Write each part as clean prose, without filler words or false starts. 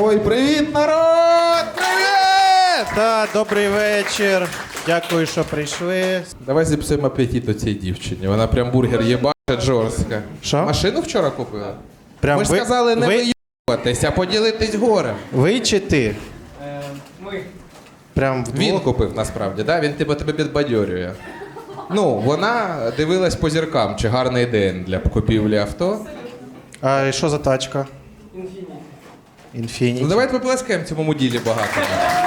Ой, привіт, народ! Привіт! Так, добрий вечір. Дякую, що прийшли. Давай зіпсуємо апетит цій дівчині. Вона прям бургер їбачить жорстко. Що? Машину вчора купила? Прям Ми ж сказали не ви, виїбатись, а поділитись горем. ви чи ти? Ми. Прям вдвох? Він купив насправді, да? Він тебе підбадьорює. Ну, вона дивилась по зіркам, чи гарний день для купівлі авто. А що за тачка? Інфініті. Інфініті. Ну давайте поплескаємо цьому муділі багато.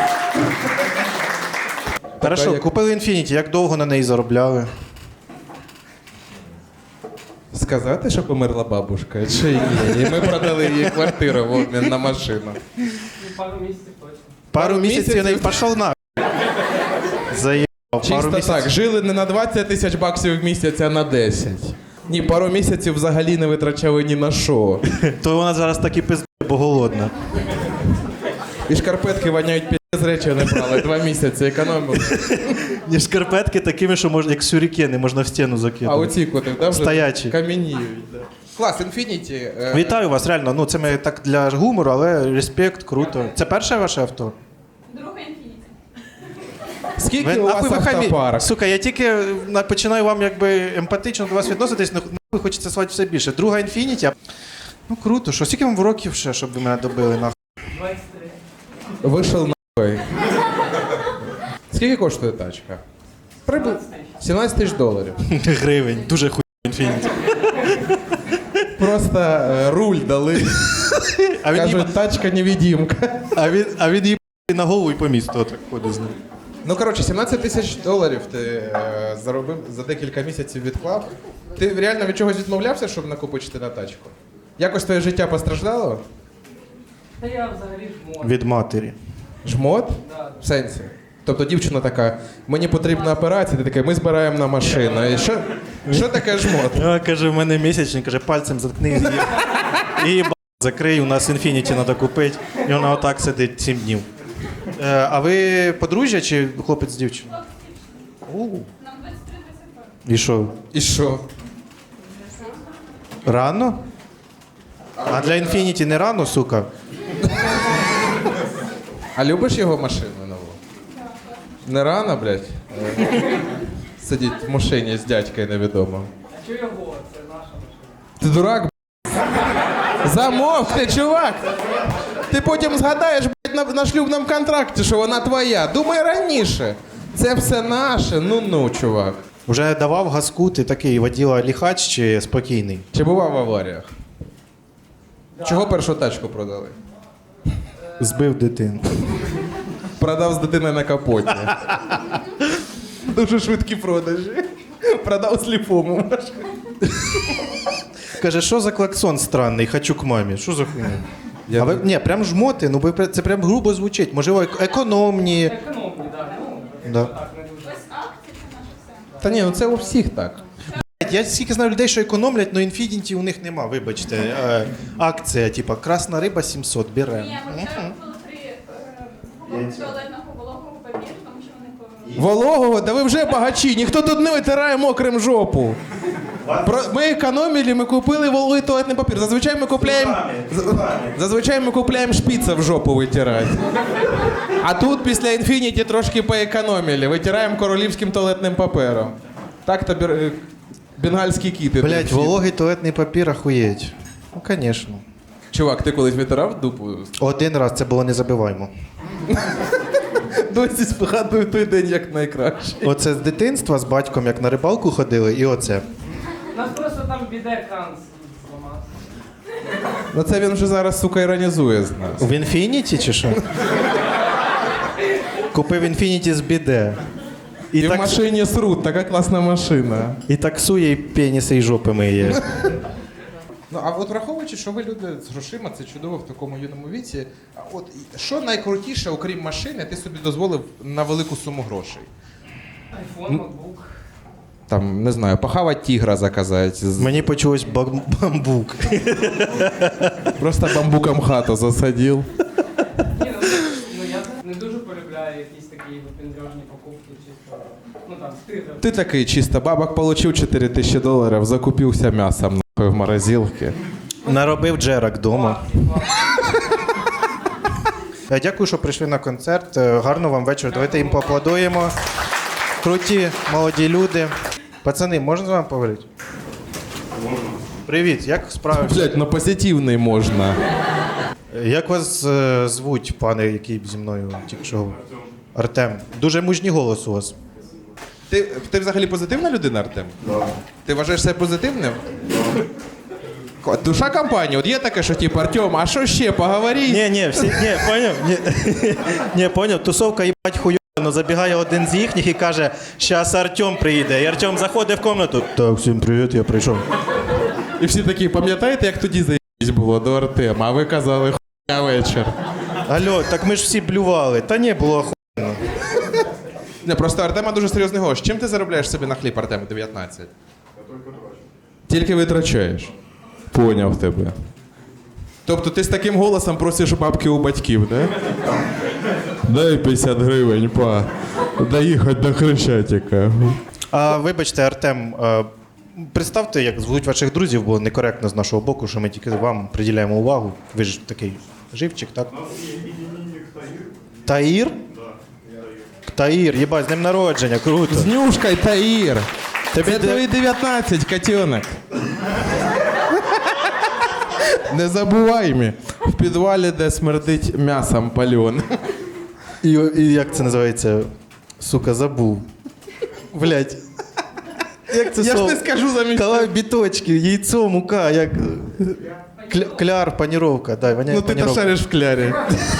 Хорошо, як- купили Інфініті. Як довго на неї заробляли? Сказати, що померла бабушка, чи ні? І ми продали їй квартиру в обмін на машину. Ну, пару місяців точно. Пару місяців? місяців не пішов на. Заїбав. Пару Чисто місяців. так, жили не на 20 тисяч баксів в місяць, а на 10. Ні, пару місяців взагалі не витрачали ні на що. То вона зараз так і пиздує, бо голодна. І шкарпетки воняють з речі не брали. 2 місяці економили. Ні, шкарпетки такими, що можна, як сюрікени, можна в стіну А закинути. оці коти, да, вже Стоячі. кам'яніють. Да. Клас, Infiniti. Вітаю вас, реально. Ну, це ми так для гумору, але респект, круто. Це перше ваше авто? Друга інфініті. Скільки у вас автопарк? Сука, я тільки починаю вам якби емпатично до вас відноситись, але нахуй хочеться слати все більше. Друга Інфініті. Ну круто, що скільки вам років ще, щоб ви мене добили нахуй? 23. Вийшов нахуй. Скільки коштує тачка? 17 тисяч доларів. Гривень, дуже хуй Інфініті. Просто руль дали. А він, Кажуть, тачка невидимка. а він їб на голову і по місту отак ходить з ним. Ну, коротше, 17 тисяч доларів ти заробив, за декілька місяців відклав. Ти реально від чогось відмовлявся, щоб накопичити на тачку? Якось твоє життя постраждало? Та я взагалі жмот. Від матері. Жмот? Да. В сенсі. Тобто дівчина така, мені потрібна операція, ти така, ми збираємо на машину. І що таке жмот? А, каже, в мене місячник, каже, пальцем заткни її. І їб закрий, у нас Інфініті треба купити. І вона отак сидить 7 днів. А ви подружжя чи хлопець з дівчиною? Нам 23-22. І що? І що? Рано? А для Інфініті не рано, сука? А любиш його машину нову? Не рано, блядь? Сидіть в машині з дядькою невідомо. А чого його? Це наша машина. Ти дурак, блядь? Замовкни, чувак! Ти потім згадаєш, блядь, на шлюбному контракті, що вона твоя. Думай раніше. Це все наше. Ну, чувак. Вже давав газку, ти такий воділа ліхач чи спокійний? Чи бував в аваріях? Чого першу тачку продали? Збив дитину. Продав з дитиною на капоті. Дуже швидкі продажі. Продав сліпому машину. Каже, що за клаксон странний, хочу к мамі. Що за хуйня? Я А ви, ні, прям жмоти, ну ви це прям грубо звучить. Можливо, економні. Економні, так. Ну, Да. так, не дуже. Ось акції це наше все. Та ні, ну це у всіх так. Я скільки знаю людей, що економлять, але Інфініті у них нема, вибачте. Акція, типа, красна риба 700, беремо. Ні, ми вчора купили 3 туалетного вологого папіру, тому що вони Вологого? Да ви вже багачі, ніхто тут не витирає мокрим жопу. Ми економили, ми купили вологий туалетний папір. Зазвичай ми купляємо шпіца в жопу витирати. А тут після Infiniti трошки поекономили. Витираємо королівським туалетним папером. Так-то бенгальські кіти. Блять, тут. вологий туалетний папір охуєть. Ну, звісно. Чувак, ти колись витирав дупу? Один раз це було незабиваємо. Досі згадую той день як найкраще. Оце з дитинства з батьком, як на рибалку ходили, і оце. У нас просто там біде-кран зламався. Ну це він вже зараз, сука, іронізує з нас. В Інфініті чи що? Купив Інфініті з біде. І в машині срут, така класна машина. І таксує, і пеніси, і жопи миє. Ну, а от враховуючи, що ви люди з грошима, це чудово в такому юному віці. А от що найкрутіше, окрім машини, ти собі дозволив на велику суму грошей? Айфон, ноутбук. Там, не знаю, похавати тігра заказати. Мені почулось бамбук. Просто бамбуком хату засадив. Ні, ну я не дуже полюбляю якісь такі випендрежні покупки, чисто. Ну там, стига. Ти такий чисто, бабок получив $4000, закупився м'ясом нахуй в морозилці. Наробив джерак вдома. Дякую, що прийшли на концерт. Гарного вам вечора. Давайте їм поаплодуємо. Круті, молоді люди. Пацани, можна з вами поговорити? Можна. Привіт, як справи? Блять, на позитивний можна. Як вас звуть, пане, який зі мною тільки що? Артем. Дуже мужній голос у вас. Ти взагалі позитивна людина, Артем? Так. Ти вважаєш себе позитивним? Душа компанії. От є таке, що типу, Артем, а що ще, поговори? Ні, поняв? Ні, поняв, тусовка їбать хуйовна, но забігає один з їхніх і каже, щас Артем прийде. І Артем заходить в кімнату. Так, всім привіт, я прийшов. І всі такі, пам'ятаєте, як тоді заїбись було до Артема, а ви казали, хуйня вечір. Алло, так ми ж всі блювали. Та ні, було охуєнно. Не, просто Артема дуже серйозний гость. Чим ти заробляєш собі на хліб, Артем, 19? Тільки витрачаєш. Поняв тебе. Тобто ти з таким голосом просиш бабки у батьків, да? Дай 50 гривень, па. Доїхати до Хрещатика. А вибачте, Артем, представте, як звуть ваших друзів, бо некоректно з нашого боку, що ми тільки вам приділяємо увагу. Ви ж такий живчик, так? Таїр? Таїр, їбать, з днем народження, круто. З Нюшкою, Таїр. Тобі Це твої 19, котенок. Не забувай мені. В підвалі, де смердить м'ясом пальоним. І як це називається? Сука, забув. Блять. Як це Я ж слово? не скажу замість. Калай біточки, яйцо, мука, як... Кляр, паніровка. Дай, воняє Ну ти то паніровка. шариш в клярі.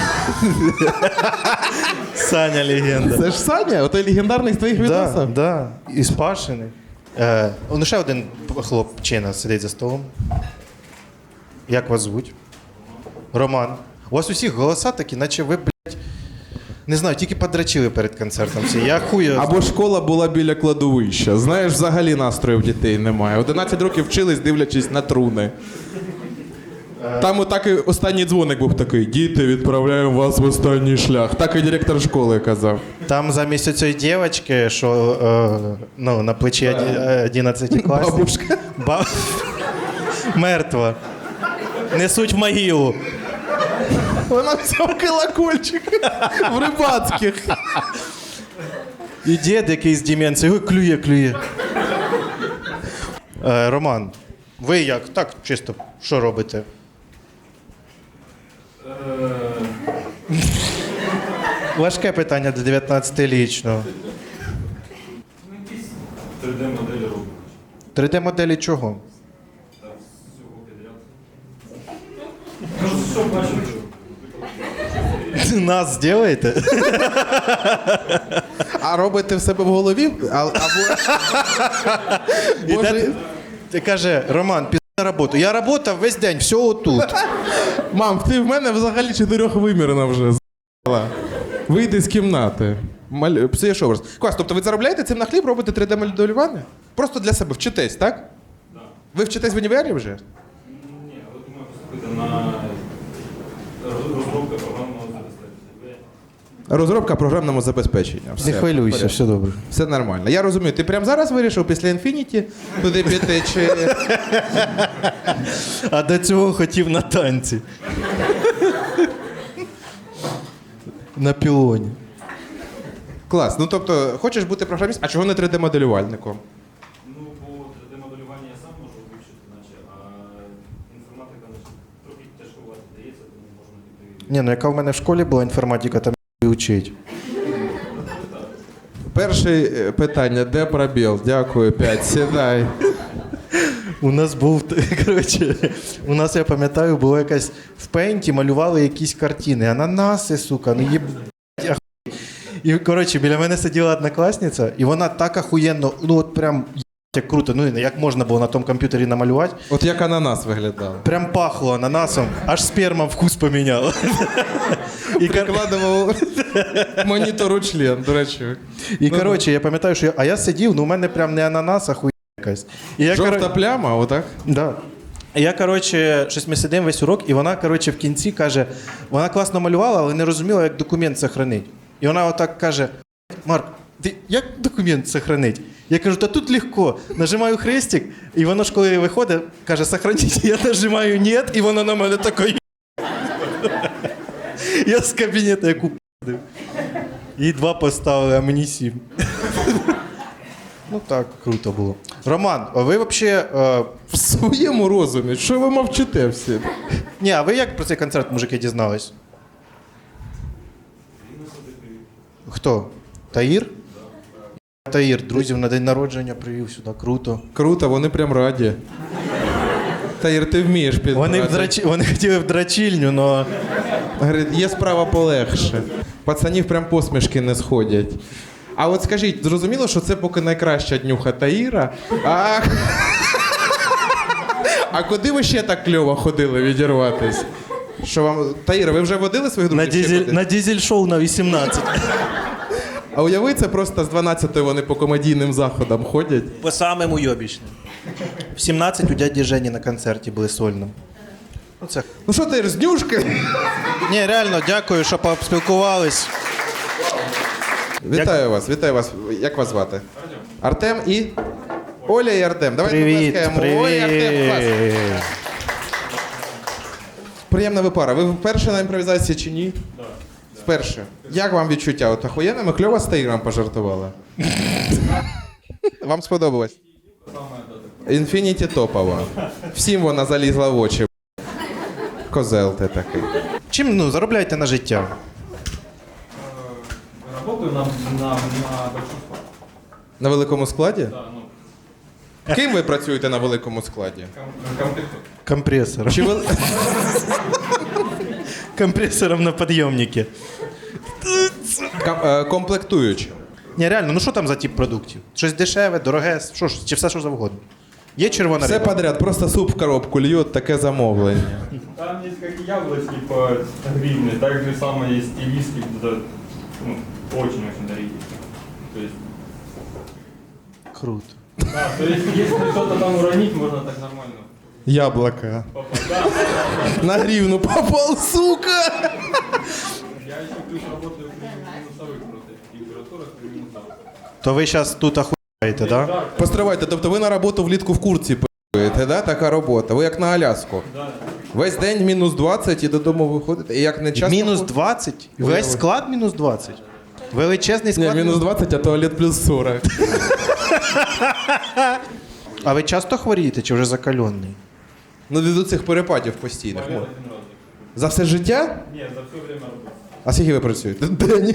Саня легенда. Це ж Саня, отой легендарний з твоїх відосів. Да. І спашений. Ну, ще один хлопчина сидить за столом. Як вас звуть? Роман. У вас усіх голоса такі, наче ви, блядь, не знаю, тільки подрачили перед концертом всі. Я хую. Або школа була біля кладовища. Знаєш, взагалі настрою в дітей немає. 11 років вчились, дивлячись на труни. Там отак і останній дзвоник був такий: діти, відправляємо вас в останній шлях. Так і директор школи казав. Там замість цієї дівчинки, що на плечі 11 класів. Бабушка. Мертва. Несуть в могилу. Вона взяв колокольчик в рибацьких. І дід якийсь з деменцією, клює. Роман, ви як? Так, чисто, що робите? Важке питання для 19-річного. 3D-моделі робимо. 3D-моделі чого? Кажу, що бачите? Нас зробите? А робите в себе в голові? Або... Ти каже, Роман, пізна на роботу. Я працював весь день, все отут. Мам, ти в мене взагалі 4-вимірна вже з***ла. Вийди з кімнати. Псуєш образ. Клас, тобто ви заробляєте цим на хліб, робите 3D-моделювання? Просто для себе вчитесь, так? Так. Да. Ви вчитесь в універі вже? Ні, але думаю поступити на розробку програмного забезпечення. Розробка програмного забезпечення. Все, Не хвилюйся, порядку. все добре. Все нормально. Я розумію, ти прямо зараз вирішив після Infinity туди піти чи... А до цього хотів на танці. На пілоні. Клас. Ну тобто, хочеш бути програмістом, а чого не 3D-моделювальником? Ну, бо 3D-моделювання я сам можу вивчити, наче, а інформатика наче, трохи тяжкувати дається, тому можна піти. Ні, ну яка в мене в школі була інформатика, там і учить. Перше питання, де пробіл? Дякую, 5, сідай. У нас був, коротше, у нас, я пам'ятаю, було якась в пейнті малювали якісь картини. Ананаси, сука, ну їб... І, коротше, біля мене сиділа однокласниця, і вона так ахуєнно, ну от прям як круто, ну як можна було на тому комп'ютері намалювати. От як ананас виглядав. Прям пахло ананасом, аж сперма вкус поміняла. Прикладував монітору член, до речі. І, коротше, я пам'ятаю, що я сидів, ну у мене прям не ананас, а хуйня якась. І я, Жовта пляма, отак? Да. І я, коротше, щось ми сидимо весь урок, і вона, коротше, в кінці каже, вона класно малювала, але не розуміла, як документ сохранить. І вона отак каже: Марк, ти як документ сохранить? Я кажу, та тут легко. Нажимаю хрестик, і воно ж коли виходить, каже, сохраніть. Я нажимаю «нет», і воно на мене таке. Я з кабінету яку п***див. Їй 2 поставили, а мені 7. Ну так, круто було. Роман, а ви взагалі... В своєму розумі, що ви мовчите всі? Ні, а ви як про цей концерт, мужики, дізнались? Хто? Таїр? Таїр, друзів на день народження привів сюди, круто. Круто, вони прям раді. Таїр, ти вмієш підбирати. Вони хотіли в драчільню, але... Говорить, є справа полегше. Пацанів прям посмішки не сходять. А от скажіть, зрозуміло, що це поки найкраща днюха Таїра? А куди ви ще так кльово ходили відірватись? Що вам... Таїра, ви вже водили своїх друзів? ще кудись? На дізель-шоу на 18. А уяви, це просто з 12-ї вони по комедійним заходам ходять. По самим уйобічним. В 17 у дяді Жені на концерті були сольним. Ну, це... Ну що Таїр, з днюшки? Ні, реально, дякую, що поспілкувались. Вітаю вас, вітаю вас. Як вас звати? Артем і? Оля і Артем. Давайте Привіт, поплескаємо. Оля і Артем, клас. привіт. Приємна ви пара. Ви вперше на імпровізації чи ні? Так. Вперше. Як вам відчуття? От охуєнно, ми кльово з Таїром пожартували. Вам сподобалось? Інфініті топова. Всім вона залізла в очі. Козел ти такий. Чим, ну, заробляєте на життя? Работаю на большом складе. На великому складі? Да, ну, Ким ви працюєте на великому складі? комплектую. Компресором. Чи ви... Компресором на підйомнику. Комплектуючим? Ні, реально, ну що там за тип продуктів? Щось дешеве, дороге, що ж, чи все, що завгодно? Є червона Все риба? подряд, просто суп в коробку льють, таке замовлення. Там есть как яблочки по гривне, так же самое есть и виски, да, ну, очень-очень дорогие. То есть, Круто. да, то есть если что-то там уронить, можно так нормально. Яблоко. попасть. Да, На гривну попал, сука! я еще плюс работаю при минусовых просто температурах, при минусовых. То ви зараз тут охуєте, да? Да, Постривайте, тобто ви на роботу влітку в куртці пи***єте, да? Така робота. Ви як на Аляску. да. Весь день мінус 20 і додому виходите. І як не часто... Мінус 20? Весь склад мінус 20? Величезний Ні, склад? мінус 20, а туалет плюс 40. А ви часто хворієте чи вже закальонний? Ну, від цих перепадів постійних. Болел один раз. За все життя? Не, за все время работы. А скільки ви працюєте? День.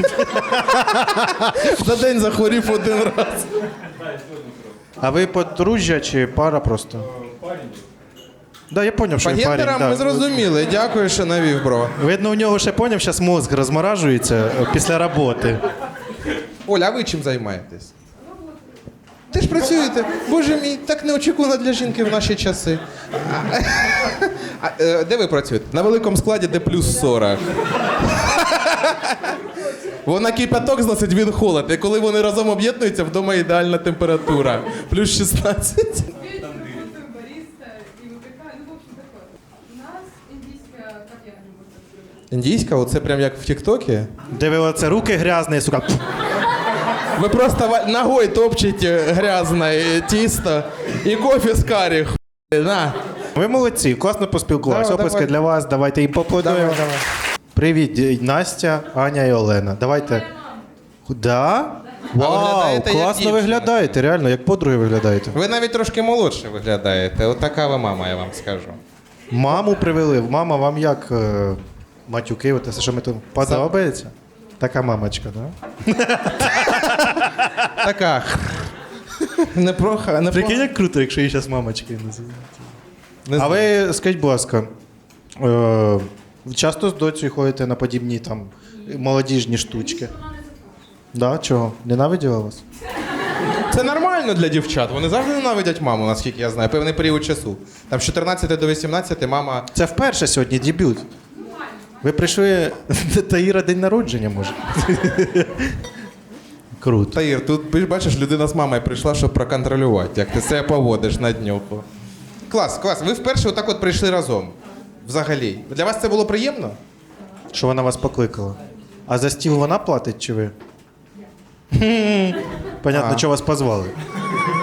За день захворів один раз. Да, и сегодня срок. А ви подружжя чи пара просто? Парень. Да, я поняв, що По він парень. гендерам ми Да. зрозуміли. Дякую, що навів, бро. Видно, у нього ще поняв, зараз мозк розморажується після роботи. Оля, а ви чим займаєтесь? Ти ж працюєте. Боже мій, так неочікувано для жінки в наші часи. Де ви працюєте? На великому складі, де плюс 40. Вона кипяток зносить, він холод. І коли вони разом об'єднуються, вдома ідеальна температура. Плюс 16. Бариста и выпекаю. Ну, в общем, такое. У нас индийская, как я люблю так. Індійська, оце прям як в Тіктокі. Де ви оце руки грязні, сука. Ви просто ногою топчете грязне тісто і кофе з карі. На. Ви молодці, класно поспілкувалися. Давай, Оплески давай. для вас, давайте їм поаплодуємо. Давай. Привіт, Настя, Аня і Олена. Давайте. Да? Вау, виглядаєте як класно дівчина. виглядаєте, реально, як подруги виглядаєте. Ви навіть трошки молодше виглядаєте. Отака ви мама, я вам скажу. Маму привели. Мама, вам як матюки, от це, що ми тут подобається? Така мамочка, да? Така. Непроха, Прикинь, як круто, якщо її зараз мамочкою називають. Не А знаю. ви скажіть, будь ласка, часто з доцею ходите на подібні там молодіжні штучки? Да, чого? Ненавиділа вас? Це нормально для дівчат. Вони завжди ненавидять маму, наскільки я знаю, певний період часу. Там з 14 до 18 мама. Це вперше сьогодні дебют. Ви прийшли Таїра день народження, може? Круто. Таїр, тут бачиш, людина з мамою прийшла, щоб проконтролювати, як ти себе поводиш на днюху. Клас, клас. Ви вперше отак от прийшли разом. Взагалі. Для вас це було приємно? Що вона вас покликала? А за стіл вона платить чи ви? Понятно, А. що вас позвали.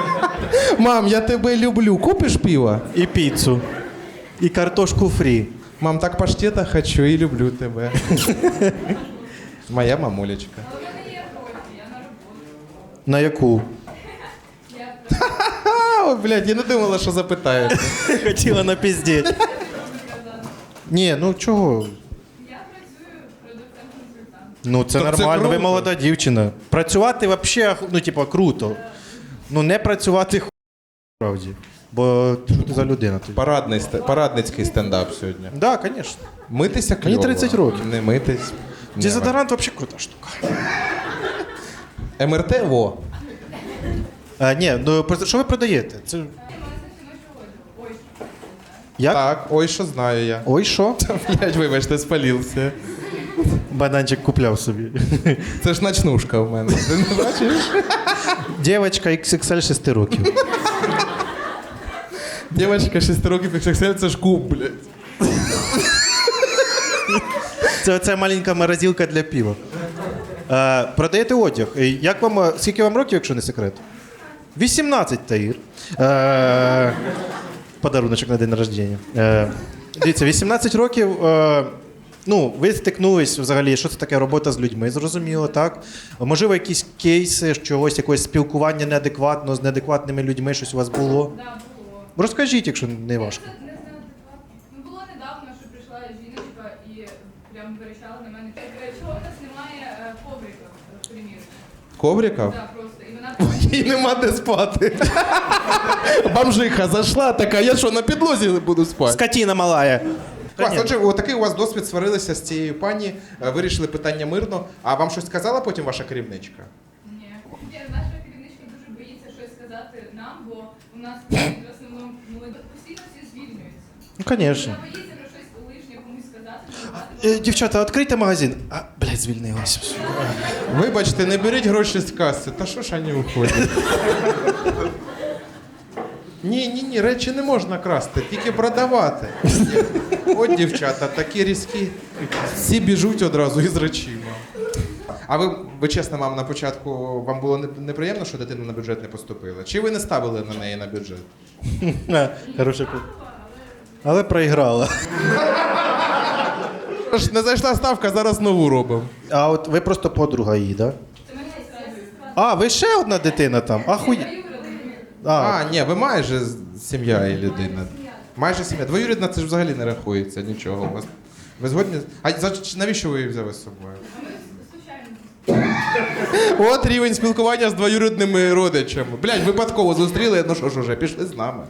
Мам, я тебе люблю. Купиш пиво? І піцу. І картошку фрі. Мам, так паштета хочу і люблю тебе. Моя мамулечка. Але в мене є гроші, я на роботу. На яку? Я Ой, блядь, я не думала, що запитаєте. Хотіла напіздіть. сказала. Ні, ну чого? Я працюю продавцем-консультантом. Ну це Так це нормально, ви круто. молода дівчина. Працювати взагалі, ну, типа, круто. Ну не працювати справді. Бо що ти за людина тоді? Парадницький стендап сьогодні. Так, да, звісно. Митися кльово. Мені 30 років. Не митись. Ні, Дезодорант взагалі крута штука. МРТ, во. Ні, ну що ви продаєте? Це... Магазин жіночого одягу. Ой, що це, Як? Так, ой, що знаю я. Ой, що? Блядь, вибачте, спалився. Бананчик купляв собі. Це ж ночнушка в мене. Ти не бачиш? Дівчинка XXL 6 років. Дівчинка 6 років XXL, це ж куб, блядь. Це оця маленька морозилка для пива. Продаєте одяг. Як вам, скільки вам років, якщо не секрет? 18, Таїр. Подаруночок на день народження. Дивіться, 18 років. Ну, ви стикнулись взагалі, що це таке робота з людьми, зрозуміло, так? Можливо, якісь кейси, чогось, якогось спілкування неадекватно з неадекватними людьми, щось у вас було? да, було. Розкажіть, якщо не важко. Не знаю, ну було недавно, що прийшла жіночка і прям верещала на мене. Чого в нас немає коврика в примірці? Ковриков? Да, просто. І вона Їй нема де спати. Бомжиха зайшла така, я що, на підлозі буду спати? Скотіна малая. Клас, отже, отакий у вас досвід, сварилися з цією пані, вирішили питання мирно. А вам щось сказала потім ваша керівничка? ні. Наша керівничка дуже боїться щось сказати нам, бо у нас в основному постійно всі звільнюються. Ну, звісно. Вона боїться про щось лишнє комусь сказати. Дівчата, відкрийте магазин. А, блядь, звільнилася. Вибачте, не беріть гроші з каси. Та що ж вони уходять? Ні, речі не можна красти, тільки продавати. От дівчата, такі різкі. Всі біжуть одразу із речима. А ви чесно, мам, на початку вам було неприємно, що дитина на бюджет не поступила? Чи ви не ставили на неї на бюджет? Хороша але проіграла. Ж не зайшла ставка, зараз нову робимо. А от ви просто подруга її, так? Да? Це мене сестра. А, ви ще одна дитина там? Ахуй. А, ні, ви майже сім'я і людина. Майже сім'я. Двоюрідна це ж взагалі не рахується нічого. У вас. Ви згодні? А навіщо ви її взяли з собою? Случайно. От рівень спілкування з двоюрідними родичами. Блядь, випадково зустріли, ну що ж уже, пішли з нами.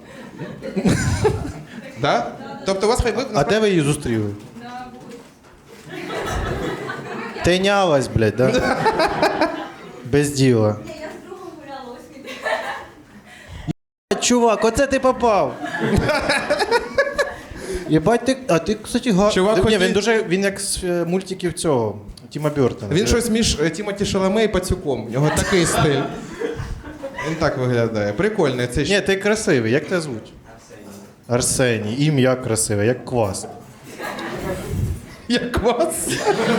Да? Тобто у вас хай ви А де ви її зустріли? На вулиці. Тинялась, блядь, да? Без діла. Ні, я з другом гуляла, ось він. Чувак, оце ти попав. Єбать, ти, кстати, Чувак Ні, хотів- він як з мультиків цього, Тіма Бёртона. Він щось між Тімоті Шаламе і Пацюком. У нього такий стиль. Він так виглядає. Прикольний. Це Ні, ти красивий, як тебе звуть? Арсеній. Ім'я красиве, як квас. як вас.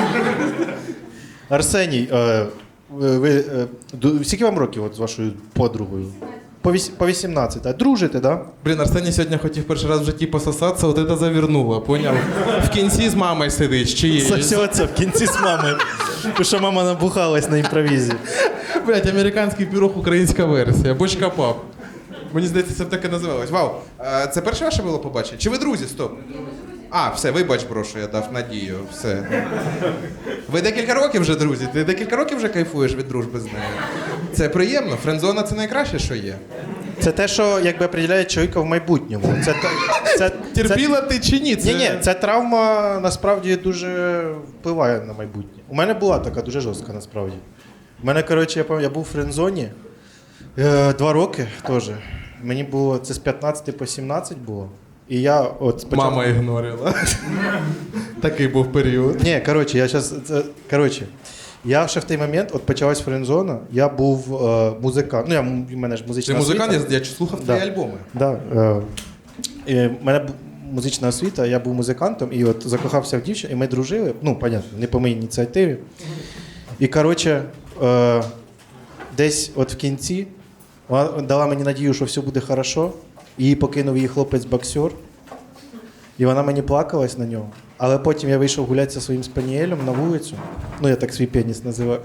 Арсеній, скільки вам років от з вашою подругою? По 18, а дружите, да? Блін, Арсеній сьогодні хотів перший раз в житті пососатися, от це завернуло, поняв? В кінці з мамою сидить, з чиєю. Сосеться в кінці з мамою. Тому що мама набухалась на імпровізі. Блять, американський пірог, українська версія. Бочка пап. Мені здається, це так і називалось. Вау, це перше ваше було побачення? Чи ви друзі? Стоп. А, все, вибач, бро, що я дав надію. Все. Ви декілька років вже друзі? Ти декілька років вже кайфуєш від дружби з нею? Це приємно. Френдзона це найкраще, що є. Це те, що якби определяє чоловіка в майбутньому. Терпіла ти чи ні? Це... Ні, ця травма насправді дуже впливає на майбутнє. У мене була така дуже жорстка насправді. У мене, коротше, я був в френдзоні 2 роки теж. Мені було, це з 15 по 17 було. І я от спочатку... Мама ігнорила. Такий був період. Ні, коротше, я ще в той момент, от почалась френдзона, я був музикант. В мене ж музична Ти музикант? освіта. Я слухав твої альбоми. Да, у мене музична освіта, я був музикантом і от закохався в дівчину, і ми дружили. Ну, понятно, не по моїй ініціативі. І, коротше, десь от в кінці вона дала мені надію, що все буде хорошо. Її покинув її хлопець-боксер. І вона мені плакалась на нього. Але потім я вийшов гуляти зі своїм спаніелем на вулицю. Ну, я так свій пеніс називаю.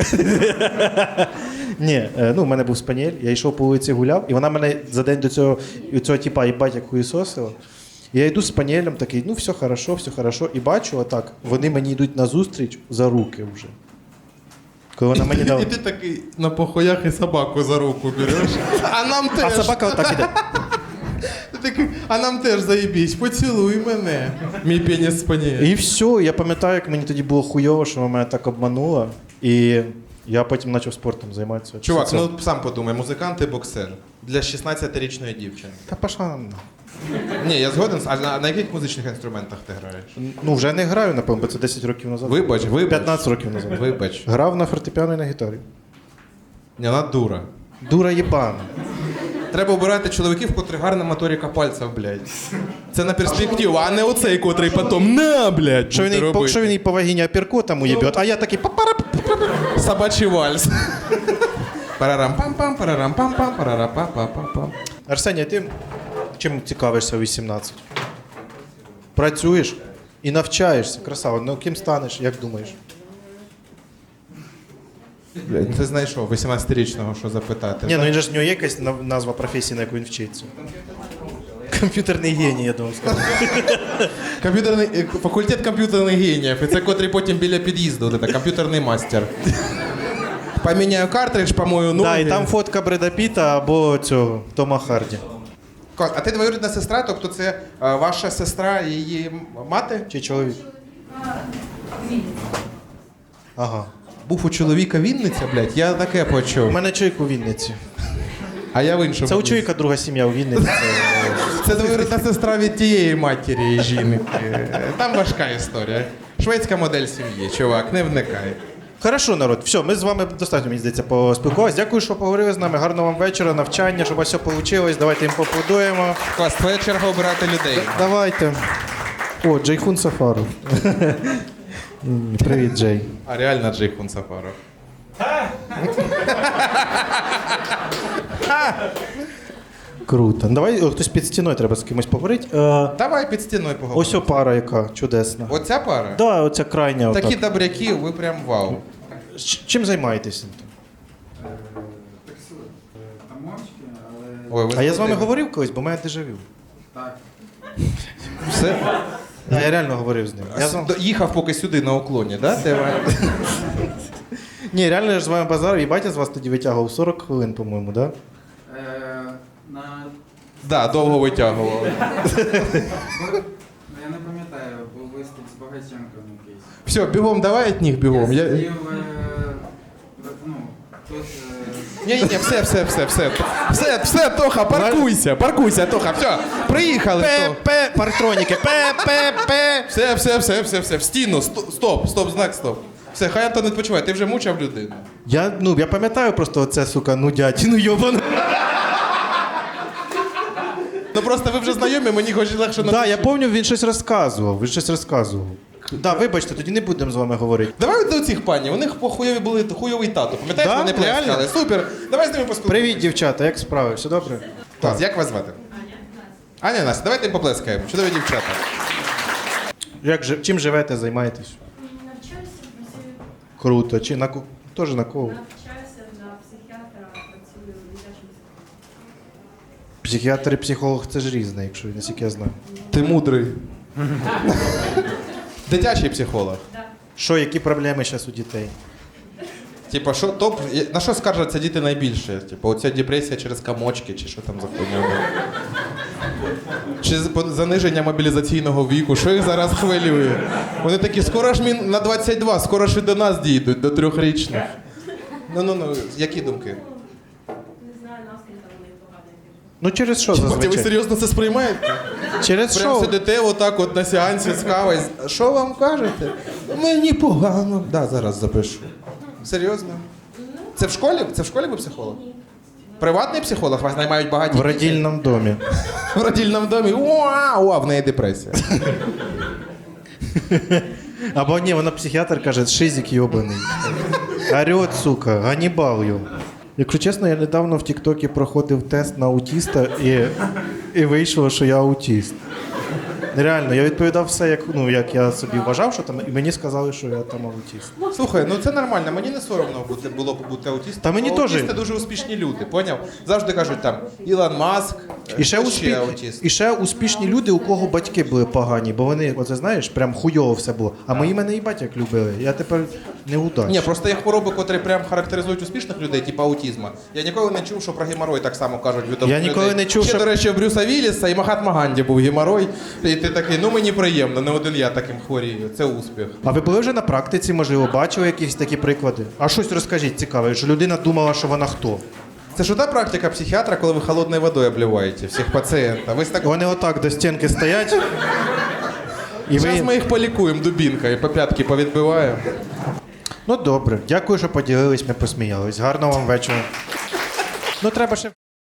Ні, ну, в мене був спаніель, я йшов по вулиці гуляв, і вона мене за день до цього типа їбать як хуєсосила. І я йду з спаніелем такий, ну, все хорошо. І бачу отак, вони мені йдуть назустріч за руки вже. Коли вона мені дала... І ти такий на похуях і собаку за руку береш. А нам А теж. собака отак іде. Ти такий, а нам теж заєбісь, поцілуй мене. Мій пеніс спаніє. І все, я пам'ятаю, як мені тоді було хуйово, що вона мене так обманула. І я потім почав спортом займатися. Чувак, Це- ну сам подумай, музикант і боксер. Для 16-річної дівчини. Та пошла на. Ні, я згоден. А на яких музичних інструментах ти граєш? Ну, вже не граю, напевно, бо це 10 років назад. Вибач. 15 років назад. Вибач. Грав на фортепіано і на гітарі. Ні, вона дура. Дура єбана. Треба обирати чоловіків, котрі гарна моторика пальців, блядь. Це на перспективу, а не оцей, котрий потім на, блядь, Що буде робити. він їй по вагіні апіркотом уєбет, а я такий папара. Собачий вальс. Парарам-пам-пам, парарам-пам-пам, парарам-пам-пам-пам. Арсеній, ти чим цікавишся у 18? Працюєш і навчаєшся. Красава. Ну ким станеш, як думаєш? Блядь, ти знайшов 18-річного, що запитати. Ні, ну він же ж в нього є якась назва професії, на яку він вчиться. Комп'ютерний геній, я думав, сказав. Факультет комп'ютерних геніїв. І це котрий потім біля під'їзду. От це, комп'ютерний мастер. Поміняю картридж, помою ноги. Да, і там фотка Бреда Піта або цього Тома Харді. Клас. А ти двоюрідна сестра, тобто це ваша сестра і її мати? Чи чоловік? Ага. Був у чоловіка Вінниця, блядь, я таке У почув. мене чоловік у Вінниці. А я в іншому. Це у чоловіка друга сім'я у Вінниці. Це двоюрідна сестра від тієї матері і жінки. Там важка історія. Шведська модель сім'ї, чувак, не вникай. Хорошо, народ. Все, ми з вами достатньо, мені здається, поспілкувалися. Дякую, що поговорили з нами. Гарного вам вечора, навчання, щоб у вас все вийшло. Давайте їм поаплодуємо. Клас, твоя черга обирати людей. Давайте. О, Джейхун Сафаров. Привіт, Джей. А реально Джейхун Сафаров. Круто. Давай хтось під стіною треба з кимось поговорити. Давай під стіною поговоримо. Ось о пара, яка чудесна. Оця пара? Да, оця крайня. Такі Отак. добряки, ви прям вау. Чим займаєтеся? Тамочки, але Ой, ви А я з вами знаєте, говорив колись, бо в мене дежавю. так. Все? Я реально говорив з ним. Я з вами... Їхав поки сюди на уклоні, да? Ні, реально я ж з вами базарив, і батя з вас тоді витягував 40 хвилин, по-моєму, да? На... Да, довго витягував. Я не пам'ятаю, був виступ з Багатенком якийсь. Все, бігом, давай від них бігом. Я сидів, ну, тут... Ні, все, Тоха, паркуйся, Тоха, все, приїхали. П, партроніки, П. Все, в стіну, стоп, знак, стоп. Все, хай Антон відпочиває, ти вже мучав людину. Я пам'ятаю просто оце, сука, нудятину йобану. Ну просто ви вже знайомі, мені хоч легше на Так, я пам'ятаю, він щось розказував. Да, вибачте, тоді не будемо з вами говорити. Давай до цих пані, у них були хуйовий тато, пам'ятаєш, Да? вони плескали? Реально? Супер, давай з ними поспілкуємося. Привіт, дівчата, як справи? Все добре? Клас, як вас звати? Аня, Настя, давайте їм поплескаємо, чудові дівчата. Чим живете, займаєтесь? Навчаюся, працюю, Круто. Чи теж на кого? навчаюся на психіатра, працюю в дитячому садку. Психіатр і психолог це ж різне, якщо наскільки я знаю. Ти мудрий. Дитячий психолог. Що, які проблеми зараз у дітей? Типа, на що скаржаться діти найбільше? Типа, оця депресія через комочки, чи що там за хуйня? Чи заниження мобілізаційного віку, що їх зараз хвилює? Вони такі, скоро ж на 22, скоро ж і до нас дійдуть, до 3-річних. Ну, які думки? Не знаю, настрій там у них поганий. Ну через що Ви зазвичай? серйозно це сприймаєте? Через Прям що? сидите отак от на сеансі з кавою. Що вам кажете? Мені погано. Да, зараз запишу. Серйозно? Це в школі? Це в школі ви психолог? Приватний психолог? Вас наймають багаті В діти? родильному домі. В родильному домі. О, в неї депресія. Або ні, вона психіатр каже, шизик йобаний. Орет, сука, Ганнібал його. Якщо чесно, я недавно в Тіктокі проходив тест на аутіста і вийшло, що я аутіст. Реально, я відповідав все, як я собі вважав, що там, і мені сказали, що я там аутист. Слухай, ну це нормально, мені не соромно було б бути аутистом. Та мені теж. Аутисти дуже успішні люди, поняв? Завжди кажуть там Ілон Маск, І ще, аутист. і ще успішні люди, у кого батьки були погані, бо вони, оце знаєш, прям хуйово все було. А мої мене і батьок любили. Я тепер неудач. Ні, просто є хвороби, котрі прям характеризують успішних людей, типу аутизму. Я ніколи не чув, що про геморой так само кажуть відомі Я ніколи людей. не чув, Ще, що- до речі, у Брюса Вілліса і Махатма Ганді був геморой. І ти такий, ну мені приємно, не один я таким хворію. Це успіх. А ви були вже на практиці, можливо, бачили якісь такі приклади? А щось розкажіть цікаве, що людина думала, що вона хто? Це ж та практика психіатра, коли ви холодною водою обливаєте всіх пацієнтів. Ви так... Вони отак до стінки стоять. І Зараз ви... ми їх полікуємо дубінкою, по п'ятки повідбиваємо. Ну добре, дякую, що поділились, ми посміялись. Гарного вам вечора. Ну треба ще.